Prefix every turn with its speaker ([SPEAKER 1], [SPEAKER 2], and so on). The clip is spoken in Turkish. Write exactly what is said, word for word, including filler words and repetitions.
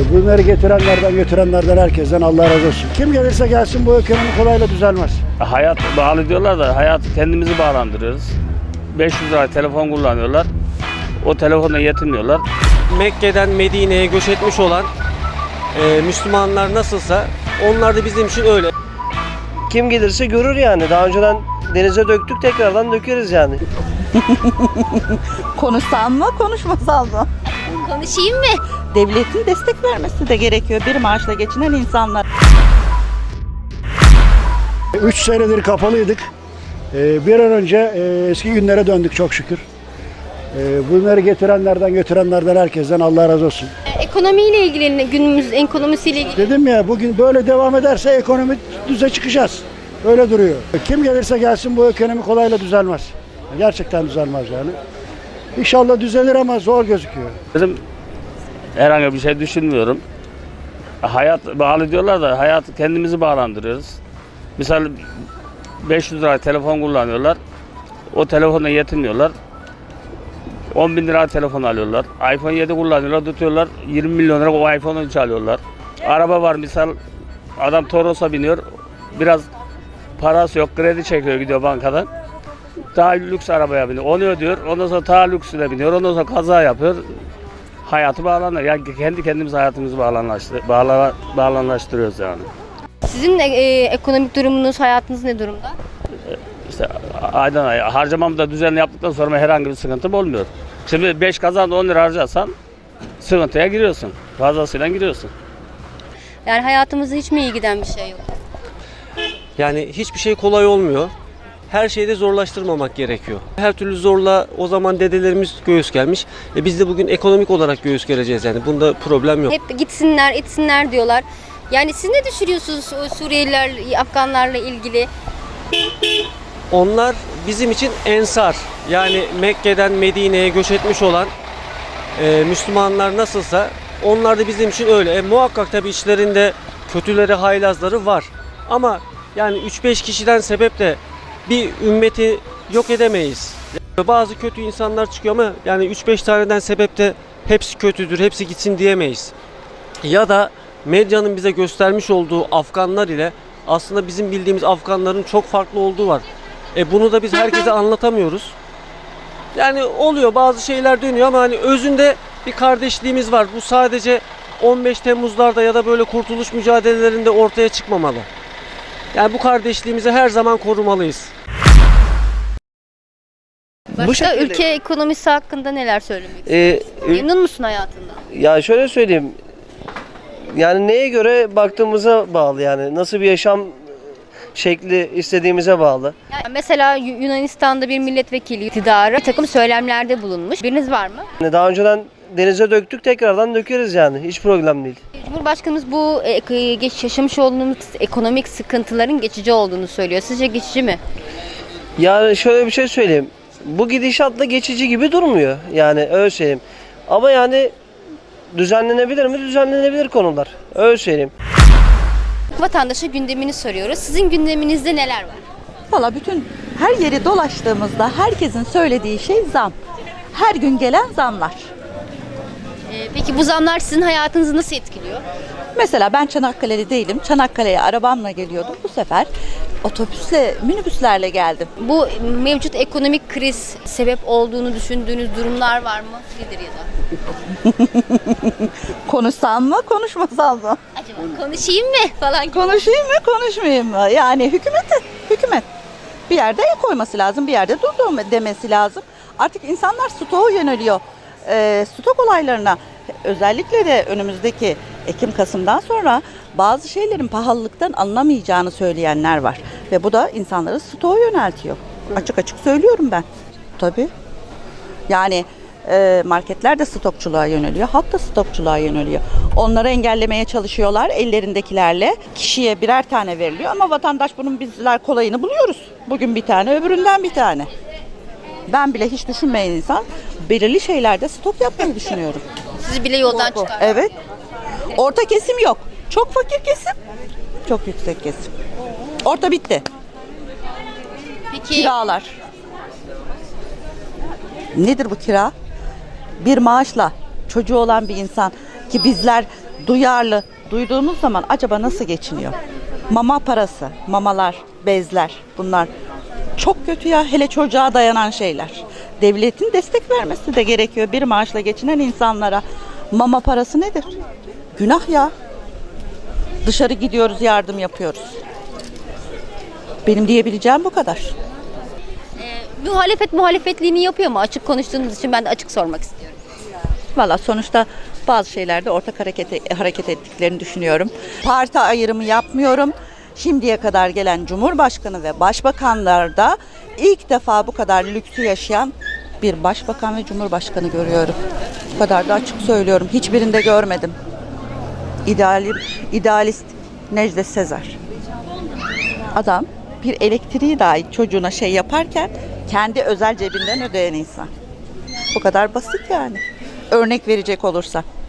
[SPEAKER 1] Bunları getirenlerden, götürenlerden, herkesten Allah razı olsun. Kim gelirse gelsin bu ekonomi kolayla düzelmez.
[SPEAKER 2] Hayat bağlı diyorlar da hayat kendimizi bağlandırıyoruz. beş yüz lira telefon kullanıyorlar. O telefonla yetinmiyorlar.
[SPEAKER 3] Mekke'den Medine'ye göç etmiş olan e, Müslümanlar nasılsa onlar da bizim için öyle.
[SPEAKER 4] Kim gelirse görür yani. Daha önceden denize döktük, tekrardan dökeriz yani.
[SPEAKER 5] Konuşsam mı, konuşmasam mı?
[SPEAKER 6] Konuşayım mı?
[SPEAKER 5] Devletin destek vermesi de gerekiyor bir maaşla geçinen insanlar.
[SPEAKER 1] Üç senedir kapalıydık. Ee, bir an önce e, eski günlere döndük çok şükür. Ee, bunları getirenlerden, götürenlerden, herkesten Allah razı olsun.
[SPEAKER 6] Ekonomiyle ilgili, günümüz ekonomisiyle ilgili.
[SPEAKER 1] Dedim ya, bugün böyle devam ederse ekonomi düze çıkacağız. Öyle duruyor. Kim gelirse gelsin bu ekonomi kolayla düzelmez. Gerçekten düzelmez yani. İnşallah düzelir ama zor gözüküyor.
[SPEAKER 2] Dedim herhangi bir şey düşünmüyorum. Hayat bağlı diyorlar da hayat kendimizi bağlandırıyoruz. Misal beş yüz lira telefon kullanıyorlar. O telefonla yetinmiyorlar. on bin lira telefon alıyorlar. iPhone yedi kullanıyorlar, tutuyorlar. yirmi milyon lira o iPhone'u çalıyorlar. Araba var misal, adam Toros'a biniyor. Biraz parası yok, kredi çekiyor, gidiyor bankadan. Daha lüks arabaya biniyor. Onu ödüyor. Ondan sonra daha lüksüne biniyor. Ondan sonra kaza yapıyor. Hayatı bağlanıyor. Yani kendi kendimiz hayatımızı bağlanlaştır, bağla, bağlanlaştırıyoruz yani.
[SPEAKER 6] Sizin e, e, ekonomik durumunuz, hayatınız ne durumda?
[SPEAKER 2] İşte aydan aya harcamamı da düzenli yaptıktan sonra herhangi bir sıkıntım olmuyor. Şimdi beş kazanda on lira harcarsan sıkıntıya giriyorsun. Fazlasıyla giriyorsun.
[SPEAKER 6] Yani hayatımızda hiç mi iyi giden bir şey yok?
[SPEAKER 3] Yani hiçbir şey kolay olmuyor. Her şeyi de zorlaştırmamak gerekiyor. Her türlü zorla o zaman dedelerimiz göğüs gelmiş. E biz de bugün ekonomik olarak göğüs gereceğiz yani. Bunda problem yok.
[SPEAKER 6] Hep gitsinler, etsinler diyorlar. Yani siz ne düşünüyorsunuz o Suriyeliler, Afganlarla ilgili?
[SPEAKER 3] Onlar bizim için ensar. Yani Mekke'den Medine'ye göç etmiş olan e, Müslümanlar nasılsa onlar da bizim için öyle. E, muhakkak tabii içlerinde kötüleri, haylazları var. Ama yani üç beş kişiden sebep de bir ümmeti yok edemeyiz. Bazı kötü insanlar çıkıyor ama yani üç beş taneden sebep de hepsi kötüdür, hepsi gitsin diyemeyiz. Ya da medyanın bize göstermiş olduğu Afganlar ile aslında bizim bildiğimiz Afganların çok farklı olduğu var. E bunu da biz herkese anlatamıyoruz. Yani oluyor, bazı şeyler dönüyor ama hani özünde bir kardeşliğimiz var. Bu sadece on beş Temmuz'larda ya da böyle kurtuluş mücadelelerinde ortaya çıkmamalı. Yani bu kardeşliğimizi her zaman korumalıyız.
[SPEAKER 6] Başka
[SPEAKER 4] Bu şekilde-
[SPEAKER 6] ülke ekonomisi hakkında neler söylemek istiyorsun?
[SPEAKER 4] Ee, ül-
[SPEAKER 6] Memnun musun hayatından?
[SPEAKER 4] ya şöyle söyleyeyim. Yani neye göre baktığımıza bağlı yani. Nasıl bir yaşam şekli istediğimize bağlı.
[SPEAKER 6] Yani mesela Yu- Yunanistan'da bir milletvekili iktidarı bir takım söylemlerde bulunmuş. Biriniz var mı?
[SPEAKER 4] Yani daha önceden denize döktük, tekrardan dökeriz yani. Hiç problem değil.
[SPEAKER 6] Cumhurbaşkanımız bu e, geç yaşamış olduğumuz ekonomik sıkıntıların geçici olduğunu söylüyor. Sizce geçici mi?
[SPEAKER 4] Yani şöyle bir şey söyleyeyim. Bu gidişatla geçici gibi durmuyor. Yani öyle söyleyeyim. Ama yani düzenlenebilir mi? Düzenlenebilir konular. Öyle söyleyeyim.
[SPEAKER 6] Vatandaşa gündemini soruyoruz. Sizin gündeminizde neler var?
[SPEAKER 5] Valla bütün her yeri dolaştığımızda herkesin söylediği şey zam. Her gün gelen zamlar.
[SPEAKER 6] Ee, peki bu zamlar sizin hayatınızı nasıl etkiliyor?
[SPEAKER 5] Mesela ben Çanakkale'li değilim. Çanakkale'ye arabamla geliyordum. Bu sefer otobüsle, minibüslerle geldim.
[SPEAKER 6] Bu mevcut ekonomik kriz sebep olduğunu düşündüğünüz durumlar var mı? Nedir ya da?
[SPEAKER 5] Konuşsam mı, konuşmasam mı?
[SPEAKER 6] Acaba konuşayım mı falan gibi.
[SPEAKER 5] Konuşayım mı, konuşmayayım mı? Yani hükümete, hükümet bir yerde el koyması lazım, bir yerde dur demesi lazım. Artık insanlar stoğa yöneliyor. Ee, stok olaylarına, özellikle de önümüzdeki Ekim-Kasım'dan sonra bazı şeylerin pahalılıktan alınamayacağını söyleyenler var. Ve bu da insanları stoğa yöneltiyor. Açık açık söylüyorum ben. Tabii. Yani e, marketler de stokçuluğa yöneliyor, halk da stokçuluğa yöneliyor. Onları engellemeye çalışıyorlar ellerindekilerle. Kişiye birer tane veriliyor ama vatandaş bunun bizler kolayını buluyoruz. Bugün bir tane, öbüründen bir tane. Ben bile hiç düşünmeyen insan belirli şeylerde stok yapmayı düşünüyorum.
[SPEAKER 6] Sizi bile yoldan çıkar.
[SPEAKER 5] Evet. Orta kesim yok. Çok fakir kesim, çok yüksek kesim. Orta bitti.
[SPEAKER 6] Peki
[SPEAKER 5] Kiralar. Nedir bu kira? Bir maaşla çocuğu olan bir insan ki bizler duyarlı, duyduğumuz zaman acaba nasıl geçiniyor? Mama parası, mamalar, bezler bunlar çok kötü ya, hele çocuğa dayanan şeyler. Devletin destek vermesi de gerekiyor bir maaşla geçinen insanlara. Mama parası nedir? Günah ya. Dışarı gidiyoruz, yardım yapıyoruz. Benim diyebileceğim bu kadar.
[SPEAKER 6] Muhalefet muhalefetliğini yapıyor mu? Açık konuştuğunuz için ben de açık sormak istiyorum.
[SPEAKER 5] Valla sonuçta bazı şeylerde ortak hareket, hareket ettiklerini düşünüyorum. Parti ayrımı yapmıyorum. Şimdiye kadar gelen Cumhurbaşkanı ve Başbakanlarda ilk defa bu kadar lüksü yaşayan bir Başbakan ve Cumhurbaşkanı görüyorum. Bu kadar da açık söylüyorum. Hiçbirinde görmedim. İdealim, idealist Necdet Sezer. Adam bir elektriği dahi çocuğuna şey yaparken kendi özel cebinden ödeyen insan. Bu kadar basit yani. Örnek verecek olursa.